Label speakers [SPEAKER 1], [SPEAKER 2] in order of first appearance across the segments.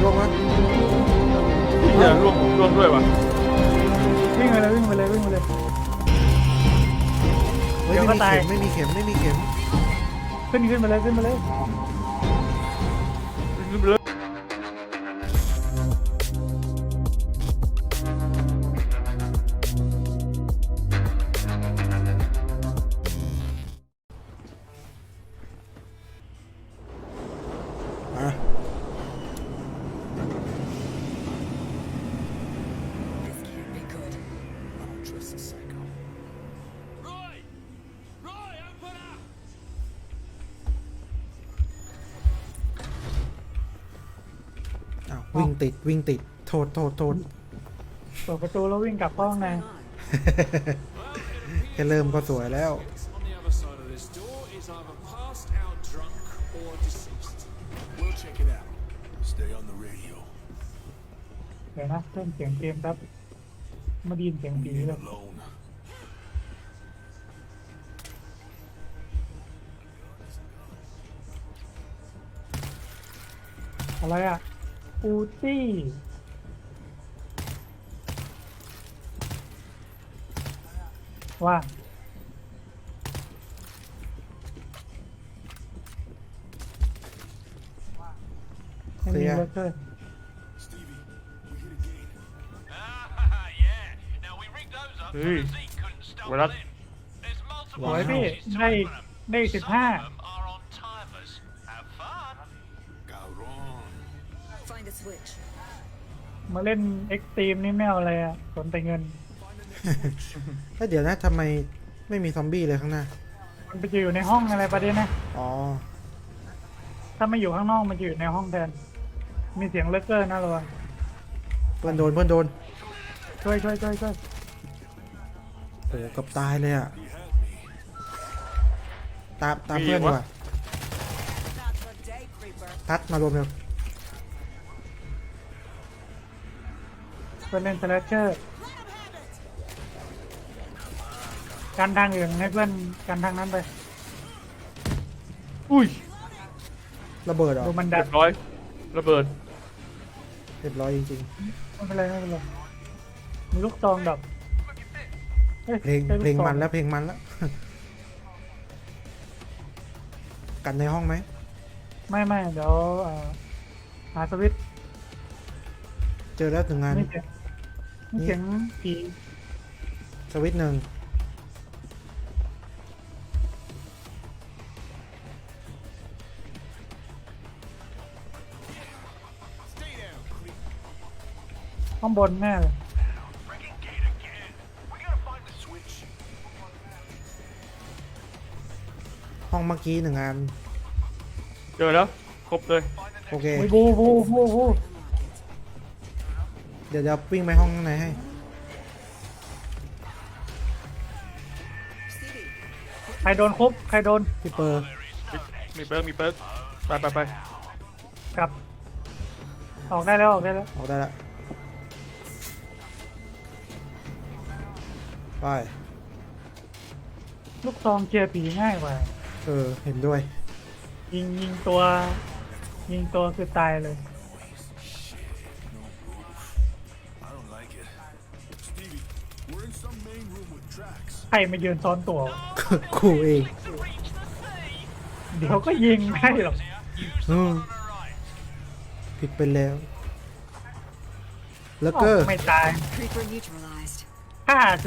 [SPEAKER 1] ร่วงวะ
[SPEAKER 2] เหี้ยร่วงด้วยวะ
[SPEAKER 3] วิ่งไปเลยวิ่งไปเลยวิ่งไปเลย
[SPEAKER 1] เฮ้ย
[SPEAKER 3] เดี๋ยวก็ตาย
[SPEAKER 1] ไม่มีเข็มไม่มีเข็ม
[SPEAKER 3] ขึ้นไปเลยขึ้นไปเลย
[SPEAKER 1] อ่ะ อ้าววิ่งติดโทษ
[SPEAKER 3] เปิดประตูแล้ววิ่งกลับห้องใน
[SPEAKER 1] แค่เริ่มก็สวยแล้ว
[SPEAKER 4] On the other side of this door is either passed out drunk or deceased. We'll check it out. Stay on the radio.
[SPEAKER 3] เดี๋ยวนะเริ่มเสียงเกมครับมาไดีนเสียงผีเลย
[SPEAKER 4] Alone.
[SPEAKER 3] อะไรอ่ะอูตี้ว่าไม่มีเวอร์เกอร์
[SPEAKER 4] Stevie, we hit a gate.
[SPEAKER 5] Yeah. Now we rigged those up so
[SPEAKER 2] Hey.
[SPEAKER 5] the Zeke couldn't stumble
[SPEAKER 2] Well,
[SPEAKER 5] in. There's
[SPEAKER 3] ส
[SPEAKER 5] multiple
[SPEAKER 3] วยพี่
[SPEAKER 5] ways to
[SPEAKER 3] ได้
[SPEAKER 5] open 'em.
[SPEAKER 3] ได้
[SPEAKER 5] Some
[SPEAKER 3] 15
[SPEAKER 5] of them are on timers. Have fun.
[SPEAKER 4] Cabrón.
[SPEAKER 6] Find a switch.
[SPEAKER 3] มาเล่นเอ็กซ์ตรีมนี่ไม่เอาอะไรอ่ะสนแต่เงิน
[SPEAKER 1] แล้วเดี๋ยวนะทำไมไม่มีซอมบี้เลยข้างหน้า
[SPEAKER 3] มันไปอยู่ในห้องอะไรประเด็นนะ
[SPEAKER 1] อ๋อ
[SPEAKER 3] ถ้าไม่อยู่ข้างนอกมันจะอยู่ในห้องแทนมีเสียงเลกเกอร์นะระวัง
[SPEAKER 1] เพื่อนโดน
[SPEAKER 3] ช่วย
[SPEAKER 1] โอ้กับตายเลยอ่ะ ตาม
[SPEAKER 2] มี
[SPEAKER 1] เพื่อน
[SPEAKER 2] อี
[SPEAKER 1] ดี
[SPEAKER 2] ก
[SPEAKER 1] ก
[SPEAKER 2] วะ
[SPEAKER 1] ว่าทัดมารวมเร็ว
[SPEAKER 3] เพื่อนเล่นสแลชเชอร์กันทางอื่นให้เพื่อนกันทางนั้นไป
[SPEAKER 2] อุ้ย
[SPEAKER 1] ระเบิดเหรอ
[SPEAKER 3] ดูมันดั
[SPEAKER 2] เรี
[SPEAKER 3] ด
[SPEAKER 2] ยบร้อยระเบิด
[SPEAKER 1] เรียบร้อยจริง
[SPEAKER 3] ไม่เป็นไรมีลูกซองดับอ้ย
[SPEAKER 1] ๆ เพลง
[SPEAKER 3] ใช่ก
[SPEAKER 1] เพลง
[SPEAKER 3] ซอ
[SPEAKER 1] มันแล้ว กันในห้องไหม
[SPEAKER 3] ไม่เดี๋ยวหาสวิตช์
[SPEAKER 1] เจอแล้วหนึ่งงาน
[SPEAKER 3] นี่เสียงผี
[SPEAKER 1] สวิตช์หนึ่ง
[SPEAKER 3] ข้างบนแน่เลย
[SPEAKER 5] Rigging gate again. We gotta find the switch.
[SPEAKER 1] ห้องเมื่อกี้หนึ่งงาน
[SPEAKER 2] เจอแล้วครบเลย
[SPEAKER 1] โอเค
[SPEAKER 3] โอ้ยบู
[SPEAKER 1] เดี๋ยววิ่งไปห้องข้างในให้
[SPEAKER 3] ใครโดนคุบใครโดน
[SPEAKER 1] พี่เปอร์
[SPEAKER 2] มีเปิร์กไป
[SPEAKER 3] กลับ ออกได้แล้ว
[SPEAKER 1] ออกได้แล้ว ไป
[SPEAKER 3] ลูกซองเคลียร์ผีง่ายกว่า
[SPEAKER 1] เห็นด้วย
[SPEAKER 3] ยิงตัวคือตายเลย
[SPEAKER 4] I don't like it. Stevie, we're in some main room with tracks.
[SPEAKER 3] ใครมายืนซ้อนตัว
[SPEAKER 1] กูเอง
[SPEAKER 3] เดี๋ยวก็ยิงให้หรอก
[SPEAKER 1] อืมผิดไปแล้ว แล้วก็
[SPEAKER 3] ไม่ตาย
[SPEAKER 6] Creeper neutralized.
[SPEAKER 3] ฆ่าสิ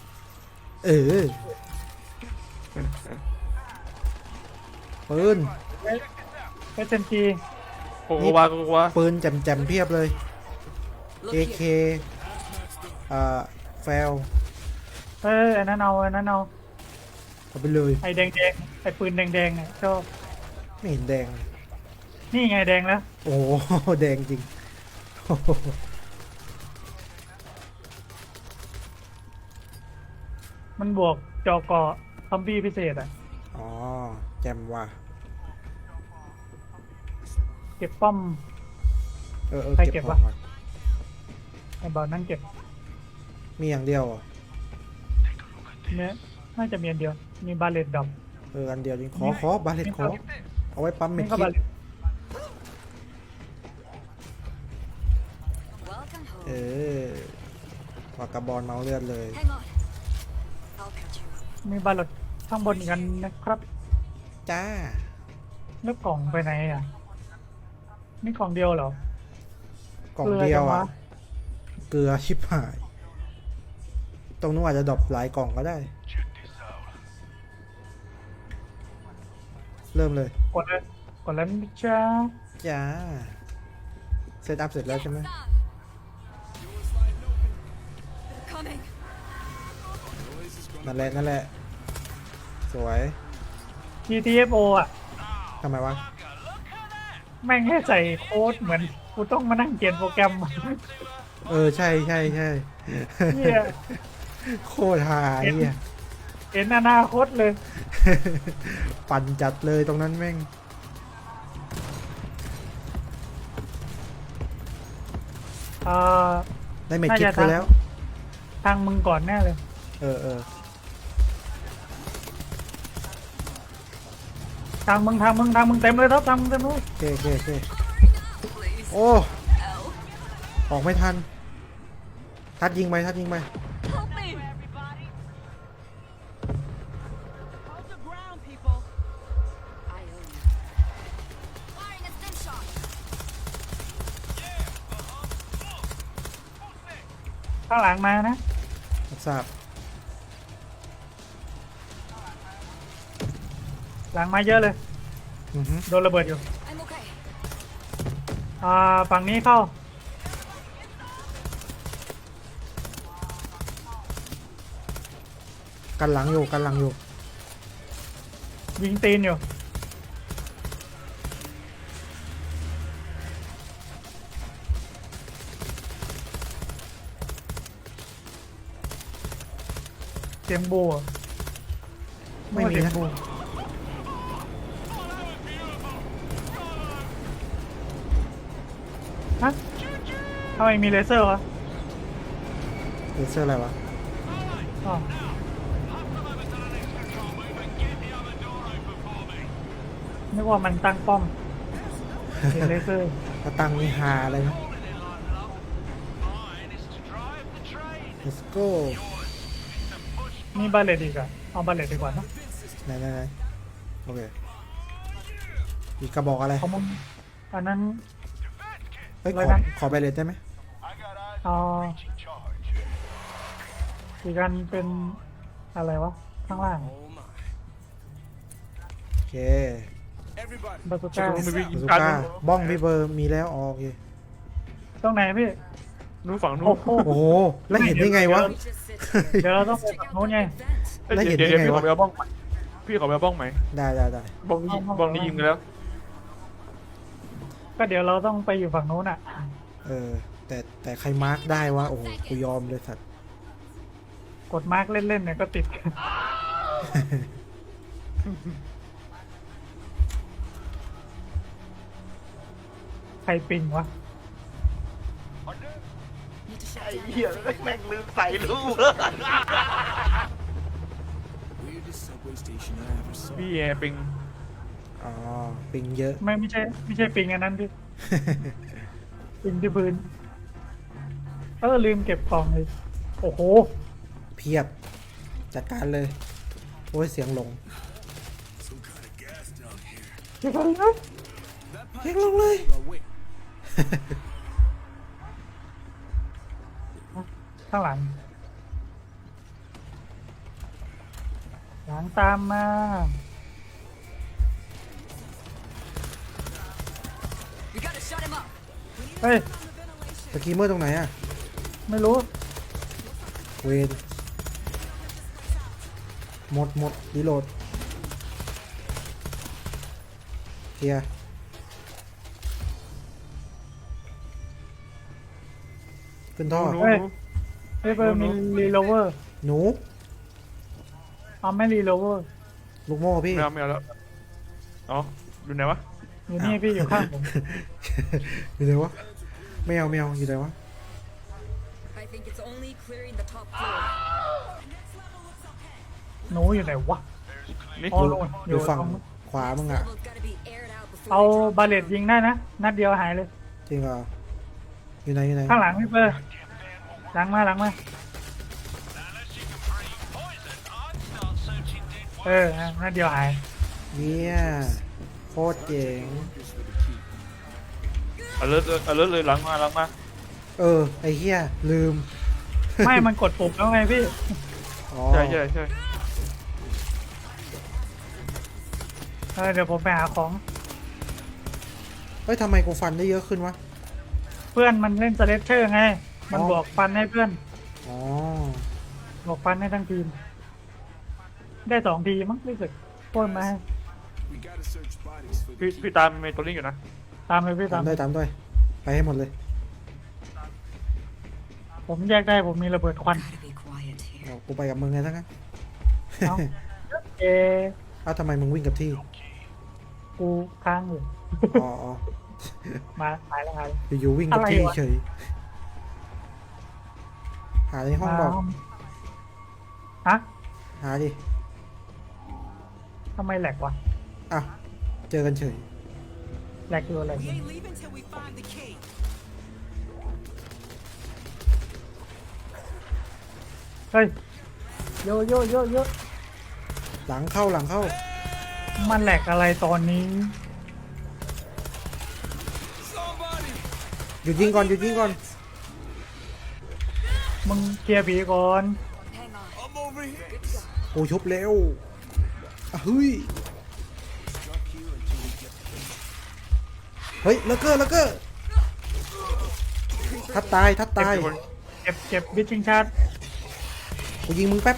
[SPEAKER 1] ปืน
[SPEAKER 3] SMG
[SPEAKER 2] โกวา
[SPEAKER 1] ปืนแจ่มๆเพียบเลย
[SPEAKER 6] Look
[SPEAKER 1] AK
[SPEAKER 6] here.
[SPEAKER 1] แฟล
[SPEAKER 3] อันนั้นเอา
[SPEAKER 1] เอาไปเลย
[SPEAKER 3] ไอ้แดงไอ้ปืนแดงเนี่ยชอบ
[SPEAKER 1] ไม่เห็นแดง
[SPEAKER 3] นี่ไงแดงแล้ว
[SPEAKER 1] โอ้โหแดงจริงโอ้โห
[SPEAKER 3] มันบวกจอเกาะซอมบี้พิเศษอ่ะ
[SPEAKER 1] อ๋อ แจ่มว่ะ
[SPEAKER 3] เก็บป้อม ใครเก็บ
[SPEAKER 1] ของ
[SPEAKER 3] วะ
[SPEAKER 1] ก่อน
[SPEAKER 3] ไอ้บอลนั่งเก็บ
[SPEAKER 1] มีอย่างเดียวเหรอ
[SPEAKER 3] เนี่ยน่าจะมีอันเดียว มีบาเลตดอก
[SPEAKER 1] อันเดียวจริงขอบาเลตขอ เอาไว้ปั๊มเม็ด
[SPEAKER 3] นี่ก็
[SPEAKER 1] คิ
[SPEAKER 3] บา
[SPEAKER 1] ด
[SPEAKER 3] เลต
[SPEAKER 6] home.
[SPEAKER 1] เออวากาบอลเมาส์เลือดเลย
[SPEAKER 6] Hang on. I'll catch you up.
[SPEAKER 3] มีบาลดข้างบนอีกอันนะครับ
[SPEAKER 1] จ้า
[SPEAKER 3] แล้วกล่องไปไหนอ่ะนี่กล่องเดียวเหรอ
[SPEAKER 1] กล่องเดียว
[SPEAKER 3] เกลือจัง
[SPEAKER 1] อ่ะ
[SPEAKER 3] วะ
[SPEAKER 1] เกลือชิบหาย ตรงนู้นอาจจะดรอปหลายกล่องก็ได้ เริ่มเลย
[SPEAKER 3] กดแล้วกดแล้วนะจ้า
[SPEAKER 1] จ้า เซตอัพเสร็จแล้วใช่ไหม
[SPEAKER 6] Coming.
[SPEAKER 1] นั่นแหละ นั่นแหละ สวย
[SPEAKER 3] GTFO อ่ะ
[SPEAKER 1] ทำไมวะ
[SPEAKER 3] แม่งให้ใส่โค้ดเหมือนกูต้องมานั่งเขียนโปรแกรม
[SPEAKER 1] เออ ใช่ใช่ใช่
[SPEAKER 3] เหี้ย
[SPEAKER 1] โคตรหาเฮีย
[SPEAKER 3] เห็นอนาคตเลย
[SPEAKER 1] ปั่นจัดเลยตรงนั้นแม่ง
[SPEAKER 3] อ่า
[SPEAKER 1] ได้เมจ
[SPEAKER 3] น่า
[SPEAKER 1] คิ
[SPEAKER 3] จะ
[SPEAKER 1] ดไปแล้ว
[SPEAKER 3] ทางมึงก่อนแน่เลย
[SPEAKER 1] เออเออ
[SPEAKER 3] ทางมึงเต็มเลยครับทางมึงเต็มเลย
[SPEAKER 1] โอเคโอเคโอเคโอ้ ออกไม่ทัน ทัดยิงไปทัดยิงไป
[SPEAKER 6] Help me.
[SPEAKER 5] Hold the ground, people.
[SPEAKER 6] I own you. Firing a stim shot.
[SPEAKER 3] ข้างหลังมานะ
[SPEAKER 1] รับทราบ
[SPEAKER 3] หลังมาเยอะเลย
[SPEAKER 1] อือฮึ
[SPEAKER 3] โดนระเบิดอยู่
[SPEAKER 6] I'm okay.
[SPEAKER 3] ฝั่งนี้เข้า
[SPEAKER 1] กันหลังอยู่กันหลังอยู่
[SPEAKER 3] ยิงตีนอยู่ เสียงบูอะ
[SPEAKER 1] ไม่มี
[SPEAKER 3] เสียง
[SPEAKER 1] นะ
[SPEAKER 3] บูฮะทำไมมีเลเซอร์วะ
[SPEAKER 1] เลเซอร์อะไรวะ
[SPEAKER 3] อ๋อนึกว่ามันตั้งป้อมเห็นเลเซอร์
[SPEAKER 1] กระตังนี่หาอะไรนะ let's go
[SPEAKER 3] มีบาเลตอีกอะเอาบาเลตดีกว่านะ
[SPEAKER 1] ไหนไหนไหนโอเคอีกกระบอกอะไร
[SPEAKER 3] เขามึงอันนั้น
[SPEAKER 1] เฮ้ย
[SPEAKER 3] อะไร
[SPEAKER 1] ขอ
[SPEAKER 3] นะ
[SPEAKER 1] ขอไปเลยได้ไหม
[SPEAKER 3] เอาอีกอันเป็นอะไรวะ ข้างล่าง
[SPEAKER 1] โอเค
[SPEAKER 4] Everybody,
[SPEAKER 3] บาซูก้า
[SPEAKER 2] ไม่มี
[SPEAKER 1] บาซูก้าบ้องพี่เบอร์มีแล้วอ๋อโอเค
[SPEAKER 3] ตรงไหนพี่
[SPEAKER 2] นู้นฝั่งนู้
[SPEAKER 3] โอ้
[SPEAKER 2] น
[SPEAKER 3] โห
[SPEAKER 1] โอ้โห แล้วเห็นได้ไงวะ
[SPEAKER 6] We just sit
[SPEAKER 3] เดี๋ยวเราต้องไปฝั่งโน้นไง
[SPEAKER 6] vent.
[SPEAKER 1] แล้วเห็น
[SPEAKER 2] เดี๋ยว
[SPEAKER 1] ได้ไง
[SPEAKER 2] พี่ข
[SPEAKER 1] วะ
[SPEAKER 2] อไปเอาบ้องใหม่พี่ขอไปเอาบ้องใหม่
[SPEAKER 1] ได้ได้ได้
[SPEAKER 2] บ้องนี้บ้องนี้ยิงไปแล้ว
[SPEAKER 3] ก็เดี๋ยวเราต้องไปอยู่ฝั่งโน้นอ่ะ
[SPEAKER 1] เออ แต่ใครมาร์กได้วะ โอ้โห กูยอมเลยสัตว์
[SPEAKER 3] กดมาร์กเล่นๆเนี่ยก็ติด ใครปิงวะ
[SPEAKER 6] Need to shut down.
[SPEAKER 2] แม่งลืมใส่ลูก
[SPEAKER 4] weirdest subway station I ever saw.
[SPEAKER 2] พี่แอร์ปิง
[SPEAKER 1] อ๋อ ปิงเยอะ
[SPEAKER 3] ไม่ใช่ปิงอันนั้นพี่ ปิงที่พื้นลืมเก็บกล่องเลยโอ้โห
[SPEAKER 1] เพียบ จัดการเลย โอ้ย เสียงลง
[SPEAKER 4] Some kind of gas down here.
[SPEAKER 3] เก็บอะไรนะ
[SPEAKER 1] เสียงลงเลย
[SPEAKER 4] Oh, wait.
[SPEAKER 3] ข้างหลัง หลังตามมา
[SPEAKER 6] We gotta shut him up.
[SPEAKER 3] เฮ้ย
[SPEAKER 1] สกีเมอร์ตรงไหนอะ
[SPEAKER 3] ไม่รู้
[SPEAKER 1] เวนหมดรีโหลดเคลียร์ขึ้นท่อ
[SPEAKER 2] นู้น
[SPEAKER 3] เฮ้ย
[SPEAKER 2] นู้น
[SPEAKER 3] เฮ้ยเบอร์มีรีโลเวอร์
[SPEAKER 1] หนู
[SPEAKER 3] เอาไม่รีโลเวอร์
[SPEAKER 1] ลูกโม่พี่
[SPEAKER 2] ไม่เอาแล้วอ๋ออยู่ไหนวะ
[SPEAKER 3] อยู่นี่พี่อยู่ข้างผม
[SPEAKER 1] อยู่ไหนวะ ไม่เอาอยู่ไหนวะ
[SPEAKER 6] I think it's only clearing the top floor.
[SPEAKER 3] หนูอยู่ไหนวะ
[SPEAKER 2] นี่
[SPEAKER 3] อ๋อลง
[SPEAKER 1] อยู่ฝั่ง
[SPEAKER 3] ตรง
[SPEAKER 1] ขวามึงอะ
[SPEAKER 6] Level's gotta be aired out before
[SPEAKER 3] เอา
[SPEAKER 6] they jump.
[SPEAKER 3] บาเลตยิงได้นะ นัดเดียวหายเลย
[SPEAKER 1] จริงเหรอ ออยู่ไหนอยู่ไหน
[SPEAKER 3] ข้างหลังพี่เปอร์หลังมาหลังมา
[SPEAKER 5] Unless you can breathe poison, I'd start searching dead
[SPEAKER 3] นั่นเดียวหาย
[SPEAKER 1] เนี่ยโคตรเจ๋ง
[SPEAKER 2] เอาเลิศเลยหลังมา
[SPEAKER 1] ไอ้เหี้ยลืม
[SPEAKER 3] ไม่มันกดปุ่มแล้วไงพี่
[SPEAKER 1] อ๋อ
[SPEAKER 2] ใช่
[SPEAKER 3] เดี๋ยวผมไปหาของ
[SPEAKER 1] เฮ้ยทำไมกูฟันได้เยอะขึ้นวะ
[SPEAKER 3] เพื่อนมันเล่นสเลตเชอร์ไง มัน
[SPEAKER 1] อ๋อ
[SPEAKER 3] บอกฟันให้เพื่อน
[SPEAKER 1] อ๋อ
[SPEAKER 3] บอกฟันให้ทั้งทีม ได้2 ทีมั้งรู้สึกโค่นมาให้
[SPEAKER 4] We gotta search bodies for the
[SPEAKER 2] พี่ตามเมนตัวนี้อยู่นะ
[SPEAKER 3] ตามเลยพี่
[SPEAKER 1] ตา
[SPEAKER 3] ตาม
[SPEAKER 1] มด้วยตามด้วยไปให้หมดเลย
[SPEAKER 3] ผมแยกได้ผมมีระเบิดควัน
[SPEAKER 6] Gotta be quiet here.
[SPEAKER 1] เอากูไปกับมึงไงทั้งนั้น
[SPEAKER 3] เอาเอ
[SPEAKER 1] เอ้าทำไมมึงวิ่งกับที่
[SPEAKER 3] กูค้างอยู่
[SPEAKER 1] อ๋ออ๋อ
[SPEAKER 3] มาหายแล้วหาย
[SPEAKER 1] อยู่ๆวิ่งกับ
[SPEAKER 3] อะไร
[SPEAKER 1] ที่
[SPEAKER 3] วะ
[SPEAKER 1] เฉยหาในห้องบอก
[SPEAKER 3] ฮะ
[SPEAKER 1] หาดิ
[SPEAKER 3] ทำไมแหลกวะ
[SPEAKER 1] อ่ะเจอกันเฉย
[SPEAKER 3] แหลกอยู่แหลกอยู่
[SPEAKER 6] leaving till we find the key.
[SPEAKER 3] เฮ้ยโยโยโยโย
[SPEAKER 1] หลังเข้า
[SPEAKER 3] มันแหลกอะไรตอนนี้
[SPEAKER 1] หยุดยิงก่อน
[SPEAKER 3] มึงเคลียร์ผีก่อน
[SPEAKER 6] Hang on.
[SPEAKER 4] I'm over here.
[SPEAKER 1] กูชุบเร็วอ่ะเฮ้ย เฮ้ยเลเกอร์ทัดตาย
[SPEAKER 3] เก็บบิชชิงชาร์ด
[SPEAKER 1] กูยิงมึงแป๊บ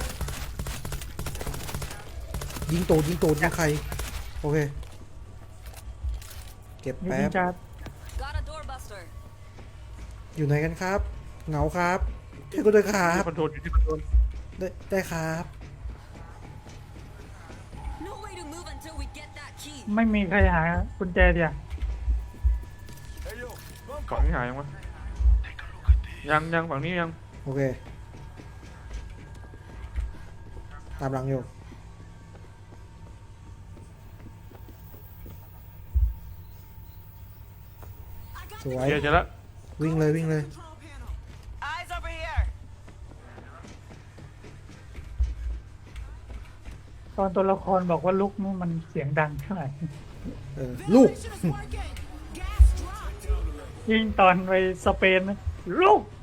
[SPEAKER 1] ยิงตูดยิงใครโอเคเก็บ
[SPEAKER 3] บิช
[SPEAKER 1] แป๊
[SPEAKER 3] ชิ
[SPEAKER 1] บ
[SPEAKER 3] งชาร์ด
[SPEAKER 6] Got a doorbuster.
[SPEAKER 1] อยู่ไหนกันครับ เหงาครับช่วยกูด้วยครับ
[SPEAKER 2] คอนโทรลอยู่ที่คอนโทรล
[SPEAKER 1] ได้ครับ
[SPEAKER 6] No way to move until we get that key.
[SPEAKER 3] ไม่มีใครหากุญแจเดียว
[SPEAKER 4] Hey yo, bump
[SPEAKER 2] ฝั่งนี้หายยังวะยังฝั่งนี้ยัง
[SPEAKER 1] โอเคตามหลังอยู่สวย
[SPEAKER 2] เจอแล้ว
[SPEAKER 1] วิ่งเลย
[SPEAKER 6] Eyes over here.
[SPEAKER 3] ตอนตัวละครบอกว่าลุกนี่มันเสียงดังเท่าไหร่
[SPEAKER 1] ลูก
[SPEAKER 3] ยิ่งตอนไปสเปนนะลูก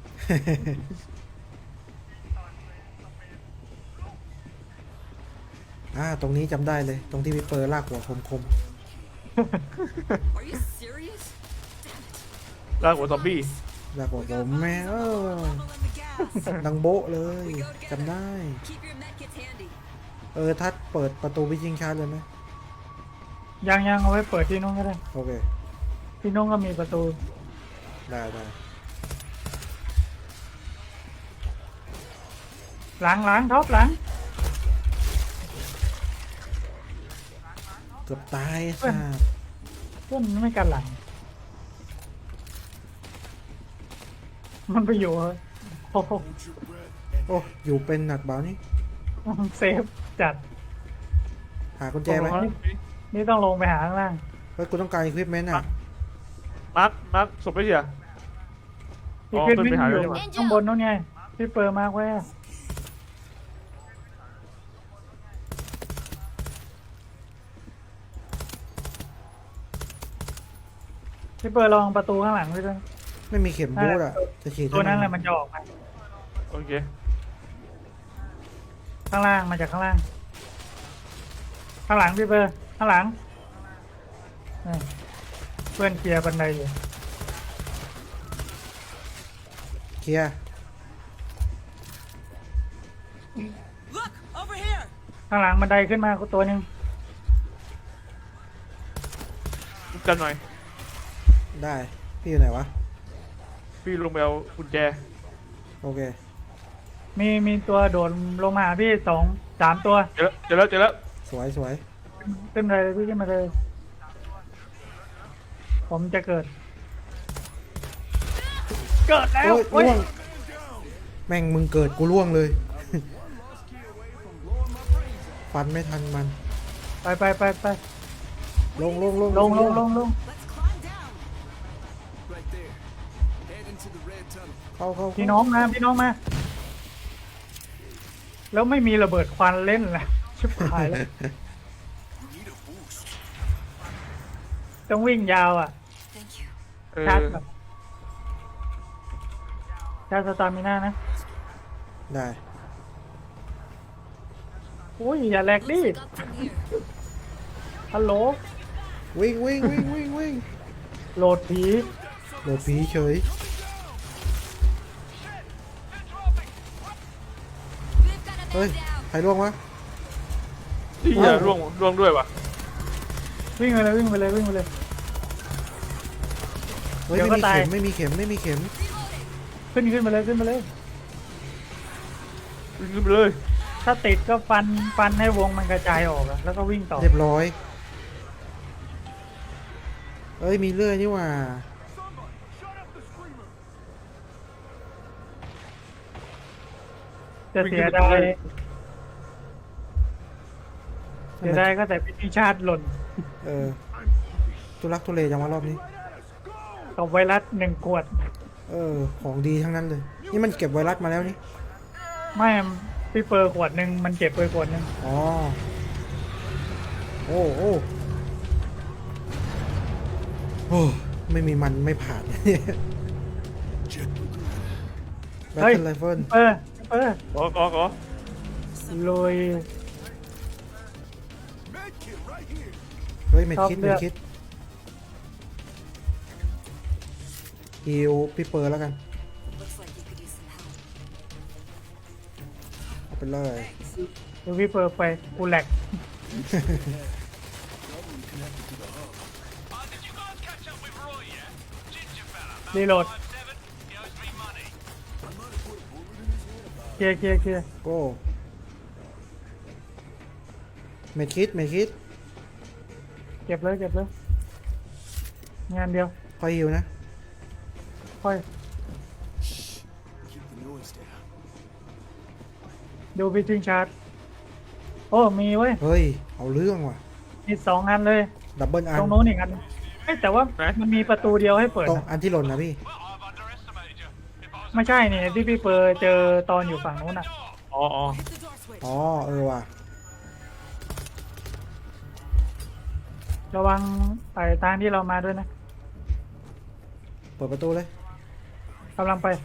[SPEAKER 1] ตรงนี้จำได้เลย ตรงที่มีเปอร์ลากหัวคม
[SPEAKER 6] Are you serious?
[SPEAKER 2] ลากหัวซอมบี้
[SPEAKER 1] ๆลากหัวผมแม่
[SPEAKER 6] Level in the gas.
[SPEAKER 1] ดังโบ๊ะเลยจำได้
[SPEAKER 6] Keep your medkits handy.
[SPEAKER 1] ทัดเปิดประตูวิจิงชาร์จเลยไหม
[SPEAKER 3] ยังเอาไว้เปิดที่นู้นก็ได้
[SPEAKER 1] โอเค
[SPEAKER 3] ที่นู้นก็มีประตู
[SPEAKER 1] ได้
[SPEAKER 3] หลังท็อปหลัง
[SPEAKER 1] เกือบตาย
[SPEAKER 3] เพื่อน เพื่อนไม่กันหลัง มันไปอยู่โอ้โห
[SPEAKER 1] โอ้อยู่เป็นหนักเบานี่
[SPEAKER 3] เซฟจัด
[SPEAKER 1] หากุญแจไหม
[SPEAKER 3] นี่ต้องลงไปหาข้างล่าง
[SPEAKER 1] เฮ้ยกูต้องการอุปกรณ์อ่ะ
[SPEAKER 2] มาร์คศพไปเสีย
[SPEAKER 3] พี่ขึ้น
[SPEAKER 2] ขึ้น
[SPEAKER 3] วิ่
[SPEAKER 2] ไป
[SPEAKER 3] ง
[SPEAKER 2] หา
[SPEAKER 3] อยู่
[SPEAKER 2] เลยดีกว่า
[SPEAKER 3] ข้างบนนู้นไงพี่เปิดมากไว้อะพี่เปิดลองประตูข้างหลังด้วย
[SPEAKER 1] ไม่มีเข็มบูทอ่ะจะฉีด
[SPEAKER 3] ตัวนั้นแหละมันจะออกมา
[SPEAKER 2] โอเค
[SPEAKER 3] ข้างล่างมาจากข้างล่าง ข้างหลังพี่เปิดข้างหลังนี่เพื่อนเคลียร์บันไดอยู่
[SPEAKER 1] เคลียร์
[SPEAKER 6] Look over here.
[SPEAKER 3] ข้างหลังบันไดขึ้นมาตัวหนึ่ง
[SPEAKER 2] ลุกกันหน่อย
[SPEAKER 1] ได้พี่อยู่ไหนวะ
[SPEAKER 2] พี่ลงไปเอากุญแจ
[SPEAKER 1] โอเค
[SPEAKER 3] มีตัวโดดลงมาหาพี่3 ตัว
[SPEAKER 2] เจอแล้ว
[SPEAKER 1] สวย
[SPEAKER 3] ขึ้นเลยพี่ขึ้นมาเลย ผมจะเกิดแล้ว
[SPEAKER 1] โอ้ยล่วงแม่งมึงเกิดกูล่วงเลย ฟันไม่ทันมัน
[SPEAKER 3] ไป
[SPEAKER 1] ลง
[SPEAKER 3] ลง
[SPEAKER 6] Let's climb down.
[SPEAKER 4] right there. Head into the red tunnel.
[SPEAKER 1] เข้า
[SPEAKER 3] พี่น้องมาพี่น้องมา แล้วไม่มีระเบิดควันเล่นเลยชิบหายแล้ว
[SPEAKER 4] You need a boost.
[SPEAKER 3] ต้องวิ่งยาวอ่ะ
[SPEAKER 6] Thank you.
[SPEAKER 2] เออ
[SPEAKER 3] ชาร์จแบบชาร์จสตามิน่านะ
[SPEAKER 1] ได้
[SPEAKER 3] อุ้ยอย่าแหลกดิ
[SPEAKER 6] Looks like up from here.
[SPEAKER 3] ฮัลโหล
[SPEAKER 1] วิ่ง
[SPEAKER 3] โหลดผี
[SPEAKER 1] โดดผีเฉย
[SPEAKER 6] We've got a
[SPEAKER 1] เฮ้ย
[SPEAKER 6] man down.
[SPEAKER 1] ใครล่วงวะ
[SPEAKER 2] ที่อย่าร่วงด้วยวะ
[SPEAKER 3] วิ่งไปเลยวิ่งไปเลยวิ่งไปเลย
[SPEAKER 1] เฮ้ย
[SPEAKER 3] เดี๋ยวก็
[SPEAKER 1] ไม่มี
[SPEAKER 3] ตาย
[SPEAKER 1] เข็มไม่มีเข็มไม่มีเข็ม
[SPEAKER 3] ขึ้นไปเลยขึ้นไปเลย
[SPEAKER 2] วิ่งขึ้นไปเลย
[SPEAKER 3] ถ้าติดก็ฟันให้วงมันกระจายออกอะแล้วก็วิ่งต่อ
[SPEAKER 1] เรียบร้อยเอ้ยมีเลื่อยนี่หว่า
[SPEAKER 3] จะเสียดายก็แต่พิธีชาติหล่น
[SPEAKER 1] เออทุลักทุเลจังวะรอบนี้
[SPEAKER 3] กับไวรัส1 ขวด
[SPEAKER 1] เออของดีทั้งนั้นเลย นี่มันเก็บไวรัสมาแล้วนี่
[SPEAKER 3] ไม่พี่เปอร์ขวดหนึ่งมันเก็บไปขวดหนึ่ง
[SPEAKER 1] อ๋อโอ้โอ้ไม่มีมันไม่ผ่าน
[SPEAKER 4] Check the grid.
[SPEAKER 1] แบตเทิลไรเฟิล
[SPEAKER 3] เปอร์
[SPEAKER 2] ขอ
[SPEAKER 3] ลุย
[SPEAKER 4] Med kit right here.
[SPEAKER 1] เฮ้ยเม็ด
[SPEAKER 3] ชอบ
[SPEAKER 1] คิด
[SPEAKER 3] เลื
[SPEAKER 1] เม็
[SPEAKER 3] อ
[SPEAKER 1] ด
[SPEAKER 3] ก
[SPEAKER 1] คิดฮิวพี่เปอร์แล้วกัน
[SPEAKER 6] Looks like you could use some help.
[SPEAKER 1] เอาไปเลย
[SPEAKER 3] ดูพี่เปอร์ไปกูแหลก
[SPEAKER 5] Did you guys catch up with Roy yet? Ginger fella.
[SPEAKER 3] รีโหลด
[SPEAKER 5] 7, he owes me money.
[SPEAKER 3] เคลียร์
[SPEAKER 1] โก้เม็ดคิด
[SPEAKER 3] เก็บเลยงานเดียว
[SPEAKER 1] คอยฮิวนะ
[SPEAKER 3] ค่อย
[SPEAKER 4] Keep the noise down.
[SPEAKER 3] ดูพิธีชาร์จโอ้มีเว้ย
[SPEAKER 1] เฮ้ยเอาเรื่องว่ะ
[SPEAKER 3] มี2 อันเลย
[SPEAKER 1] ดับเบิลอัน
[SPEAKER 3] ตรงโน้นอีกอันเอ้ยแต่ว่ามันมีประตูเดียวให้เปิด
[SPEAKER 1] ตรง
[SPEAKER 3] นะ
[SPEAKER 1] อันที่หล่นนะพี่
[SPEAKER 5] Well, I've underestimated you. If I was
[SPEAKER 3] ไม่ใช่นี่ที่พี่เปอร์เจอตอนอยู่ฝั่งนู้นอ่ะ
[SPEAKER 2] อ๋อ
[SPEAKER 6] Hit the door switch.
[SPEAKER 1] อ๋อเออว่ะ
[SPEAKER 3] ระวังไอ้ทางที่เรามาด้วยนะ
[SPEAKER 1] เปิดประตูเลย
[SPEAKER 3] กำลังไป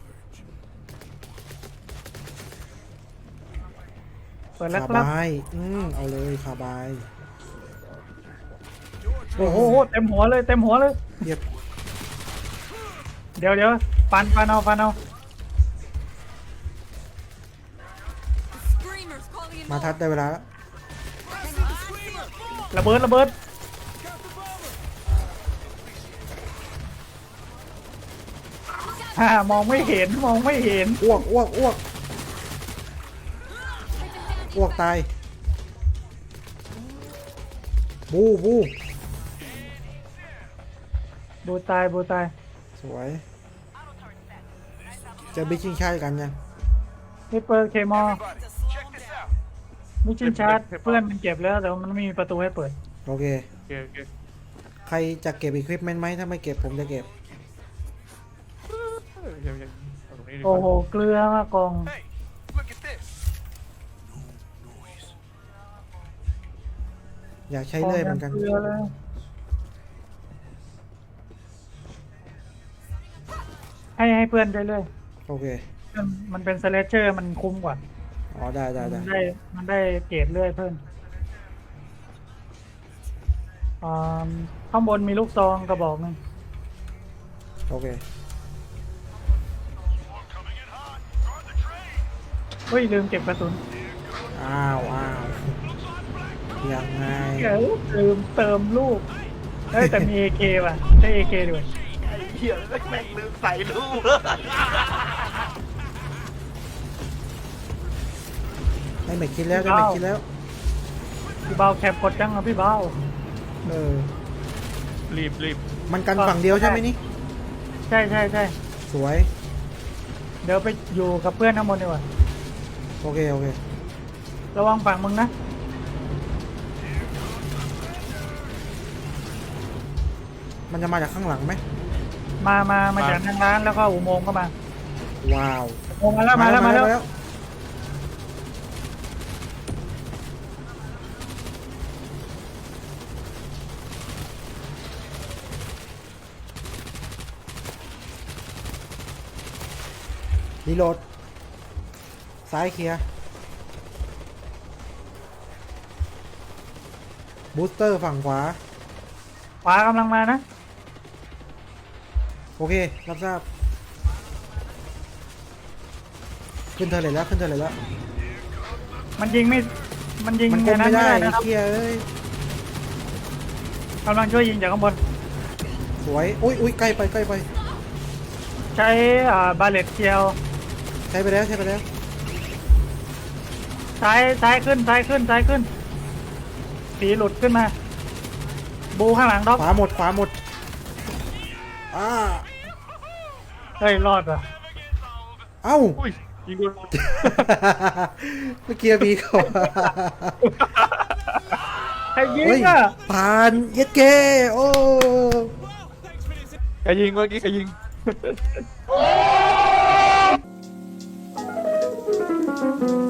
[SPEAKER 3] เปิดแล้ว
[SPEAKER 1] คา
[SPEAKER 3] ครับ
[SPEAKER 1] บายเอาเลยคาบาย
[SPEAKER 3] โอ้โหเต็มหัวเลย
[SPEAKER 1] เรียบ
[SPEAKER 3] เดี๋ยวฟันเอา
[SPEAKER 6] Screamers calling in
[SPEAKER 1] มา
[SPEAKER 6] more.
[SPEAKER 1] ทัดได้เวลาแล้ว
[SPEAKER 3] ระเบิดมองไม่เห็น
[SPEAKER 1] อ้วกตายบู
[SPEAKER 3] บูตาย
[SPEAKER 1] สวยเจะบิชิงชายกันยัง
[SPEAKER 3] นี่เปิดเคมอ
[SPEAKER 5] check this out.
[SPEAKER 3] มิชินชาร์จเพื่อนมันเก็บแล้วแต่ว่ามันไม่มีประตูให้เปิด
[SPEAKER 1] โอเค
[SPEAKER 2] โอเค
[SPEAKER 1] ใครจะเก็บอีควิปเมนต์ไหมถ้าไม่เก็บผมจะเก็บ
[SPEAKER 2] เอาตรงนี้ดีก
[SPEAKER 3] โอ้
[SPEAKER 2] ว่า
[SPEAKER 3] โหเกลือมากอง
[SPEAKER 5] Hey, look at this.
[SPEAKER 1] อยากใช้เลื่อยเหมือนกัน
[SPEAKER 3] เกลือเลยให้เพื่อนได้เลย
[SPEAKER 1] โอเค
[SPEAKER 3] มันเป็นสเลเชอร์มันคุ้มกว่า
[SPEAKER 1] อ๋อได้
[SPEAKER 3] มันได้เกรดเลื่อยเพิ่มข้างบนมีลูกซองกระบอกหนึง
[SPEAKER 1] โอเค
[SPEAKER 5] Coming in hot. Guard the train.
[SPEAKER 3] เฮ้ยลืมเก็บกระสุน
[SPEAKER 1] อ้าวยังไง
[SPEAKER 3] ลืมเติมลูกเฮ้ยแต่มี AK ว่ะได้ AK ด้วย
[SPEAKER 1] ได้เม็ดคิดแล้ว
[SPEAKER 3] พี่เบาแคปกดจังอ่ะพี่เบา
[SPEAKER 1] เออ
[SPEAKER 2] รีบ
[SPEAKER 1] มันกันฝั่งเดียวใช่ไหมนี่
[SPEAKER 3] ใช่
[SPEAKER 1] สวย
[SPEAKER 3] เดี๋ยวไปอยู่กับเพื่อนข้างบนดีกว่า
[SPEAKER 1] โอเค
[SPEAKER 3] ระวังฝั่งมึงนะ
[SPEAKER 1] มันจะมาจากข้างหลังไหม
[SPEAKER 3] มาจากทางร้านแล้วก็อุโมงค์ก็มา
[SPEAKER 1] ว้าว
[SPEAKER 3] อุโมงค์มาแล้ว
[SPEAKER 1] รีโหลด ซ้ายเคลียร์บูสเตอร์ฝั่งขวา
[SPEAKER 3] ขวากำลังมานะ
[SPEAKER 1] โอเค รับทราบ ขึ้นเธอเลยแล้ว ขึ้นเธอเลยแล้ว
[SPEAKER 3] มันยิงไม่มันยิง
[SPEAKER 1] มันกลม
[SPEAKER 3] ในนั้น
[SPEAKER 1] ไม่ได้
[SPEAKER 3] นะครับ
[SPEAKER 1] เคลียร์เอ้ย
[SPEAKER 3] กำลังช่วยยิงจากข้างบน
[SPEAKER 1] สวย อุ้ยใกล้ไปใกล้ไป
[SPEAKER 3] ใช้บาเลตเคียว
[SPEAKER 1] ใช้ไปแล้วใช้ไปแล้ว
[SPEAKER 3] ซ้ายขึ้นสีหลุดขึ้นมา บูข้างหลังด็อก
[SPEAKER 1] ขวาหมดขวาหมดอ่า
[SPEAKER 3] เฮ้ยรอดว่ะ
[SPEAKER 1] เอ้า
[SPEAKER 2] อุ้ยยิงโดน
[SPEAKER 1] เมื่อกี้มีเขา
[SPEAKER 3] ใครยิง
[SPEAKER 1] เฮ้ย
[SPEAKER 3] อ่ะ
[SPEAKER 1] ผ่านเย็ดเกโอ้
[SPEAKER 2] ใครยิงเมื่อกี้ใครยิง